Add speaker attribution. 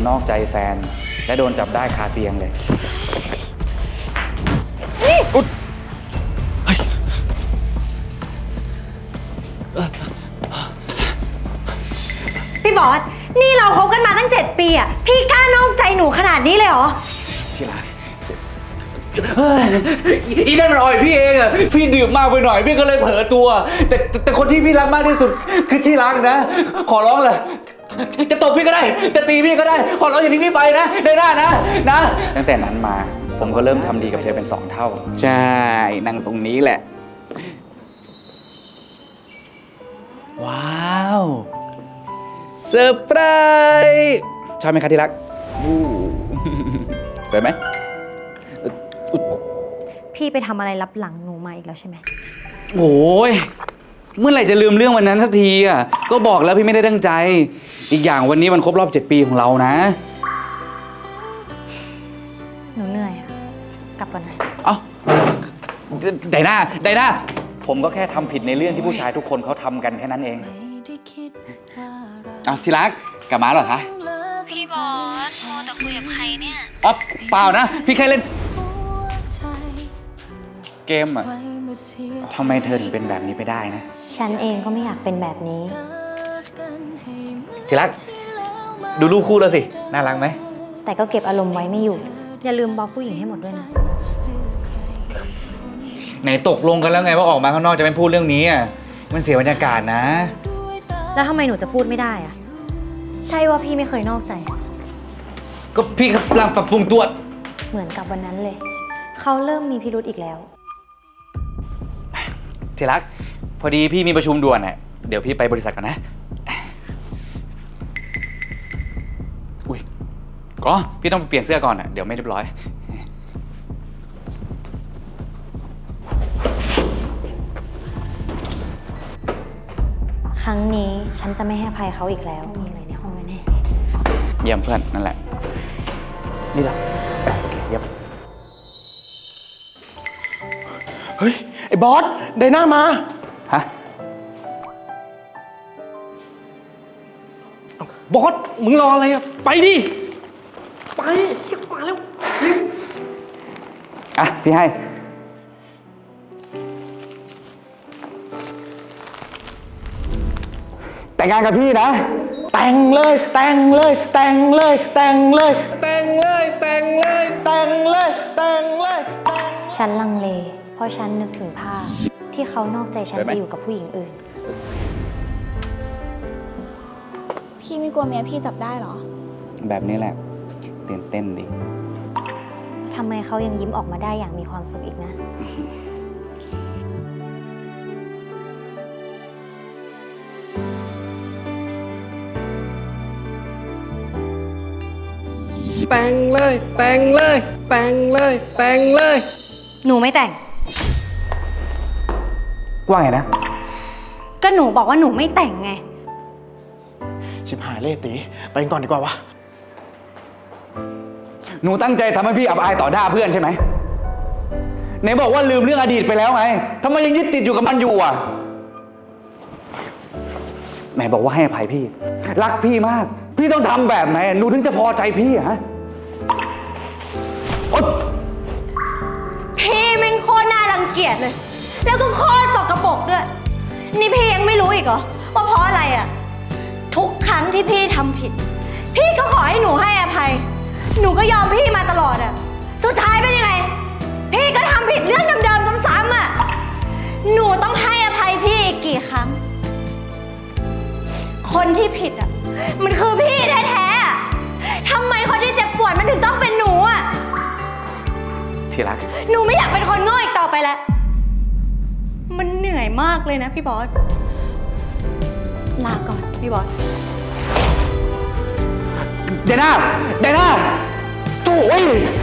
Speaker 1: นอกใจแฟน และโดนจับได้คาเตียงเลยอุ๊ย
Speaker 2: พี่บอส นี่เราคบกันมาตั้ง7 ปีอ่ะ พี่กล้านอกใจหนูขนาดนี้เลยเหรอ
Speaker 1: ที่รักอีนั่นมันอ่อยพี่เองอะพี่ดื่มมากไปหน่อยพี่ก็เลยเผลอตัว แต่คนที่พี่รักมากที่สุดคือที่รักนะ ขอร้องเลยจะตบพี่ก็ได้จะตีพี่ก็ได้ขอร้องอย่าทิ้งพี่ไปนะได้หน้านะตั้งแต่นั้นมาผมก็เริ่มทำดีกับเธอเป็น2 เท่าใช่นั่งตรงนี้แหละว้าวเซอร์ไพรส์ชอบไหมคะที่รักสวยไหม
Speaker 2: พี่ไปทำอะไรรับหลังหนูมาอีกแล้วใช่ไหม
Speaker 1: โอ้ยเมื่อไหร่จะลืมเรื่องวันนั้นสักทีอ่ะก็บอกแล้วพี่ไม่ได้ตั้งใจ อีกอย่างวันนี้มันครบรอบ7 ปีของเรานะ
Speaker 2: หนูเหนื่อยอะกลับก่อนนะ
Speaker 1: เอ้าไดนาผมก็แค่ทำผิดในเรื่องที่ผู้ชายทุกคนเขาทำกันแค่นั้นเองอ้าวที่รักกลับมาเหรอคะ
Speaker 3: พี่บอสโมแต่คุยกับใครเนี่ย
Speaker 1: อ๋อเปล่านะพี่แค่เล่นเกมอ่ะทำไมเธอถึงเป็นแบบนี้ไปได้นะ
Speaker 2: ฉันเองก็ไม่อยากเป็นแบบนี้
Speaker 1: ที่รักดูรูปคู่แล้วสิน่ารักไหม
Speaker 2: แต่ก็เก็บอารมณ์ไว้ไม่อยู่ อย่าลืมบล็อกผู้หญิงให้หมดด้วยนะ
Speaker 1: ไหนตกลงกันแล้วไงว่าออกมาข้างนอกจะไม่พูดเรื่องนี้อ่ะมันเสียบรรยากาศนะ
Speaker 2: แล้วทำไมหนูจะพูดไม่ได้อะใช่ว่าพี่ไม่เคยนอกใจ
Speaker 1: ก็พี่กำลังปรับปรุงตัว
Speaker 2: เหมือนกับวันนั้นเลย เขาเริ่มมีพิรุธอีกแล้ว
Speaker 1: ที่รักพอดีพี่มีประชุมด่วนน่ะเดี๋ยวพี่ไปบริษัทก่อนนะอุ้ยก็พี่ต้องเปลี่ยนเสื้อก่อนอ่ะเดี๋ยวไม่เรียบร้อย
Speaker 2: ครั้งนี้ฉันจะไม่ให้อภัยเขาอีกแล้ว มีอะไรในห้องแน่
Speaker 1: เยี่ยมเพื่อนนั่นแหละนี่ล่ะเยี่ยม
Speaker 4: เฮ้ย ไอ้บอส ไดน่ามา
Speaker 1: ฮะ
Speaker 4: บอส มึงรออะไรอะไปดิ ไปมาแล้วรีบ
Speaker 1: อ่ะพี่ให้แต่งงานกับพี่นะ
Speaker 4: แต่งเลย แต่งเลย แต่งเลย แต่งเลย แต่งเลย แต่งเลย แต่งเลย แต่งเลย
Speaker 2: ๆฉันลังเล เพราะฉันนึกถึงภาพที่เขานอกใจฉัน
Speaker 1: ได้ไหม
Speaker 2: ไปอยู่กับผู้หญิงอื่น
Speaker 3: พี่ไม่กลัวเมียพี่จับได้เหรอ
Speaker 1: แบบนี้แหละตื่นเต้นดิ
Speaker 2: ทำไมเขายังยิ้มออกมาได้อย่างมีความสุขอีกนะ
Speaker 4: แต่งเลย แต่งเลย แต่งเลย แต่งเลย
Speaker 2: หนูไม่แต่ง
Speaker 1: ว่าไงนะ
Speaker 2: ก็หนูบอกว่าหนูไม่แต่งไง
Speaker 4: ชิบหายเลยตีไปกันก่อนดีกว่าวะ
Speaker 1: หนูตั้งใจทำให้พี่อับอายต่อหน้าเพื่อนใช่ไหมไหนบอกว่าลืมเรื่องอดีตไปแล้วไงทำไมยังยึดติดอยู่กับมันอยู่อ่ะไหนบอกว่าให้อภัยพี่ รักพี่มาก พี่ต้องทำแบบไหนหนูถึงจะพอใจพี่อะฮะโอ๊ย
Speaker 2: พี่แม่งโคตรน่ารังเกียจเลย แล้วก็โคตรสกปรกด้วย นี่พี่ยังไม่รู้อีกเหรอว่าเพราะอะไรอ่ะ ทุกครั้งที่พี่ทำผิด พี่ก็ขอให้หนูให้อภัย หนูก็ยอมพี่มาตลอดอ่ะ สุดท้ายเป็นยังไง พี่ก็ทำผิดเรื่องเดิมๆซ้ำๆอ่ะ หนูต้องให้อภัยพี่อีกกี่ครั้ง คนที่ผิดอ่ะ มันคือพี่แท้ๆอะทำไมคนที่เจ็บปวดมันถึงต้องเป็นหนูอ่ะ
Speaker 1: ที่รัก
Speaker 2: หนูไม่อยากเป็นคนโง่อีกต่อไปแล้ว มันเหนื่อยมากเลยนะพี่บอส ลาก่อนพี่บอส
Speaker 1: เดน่าโถ่เว้ย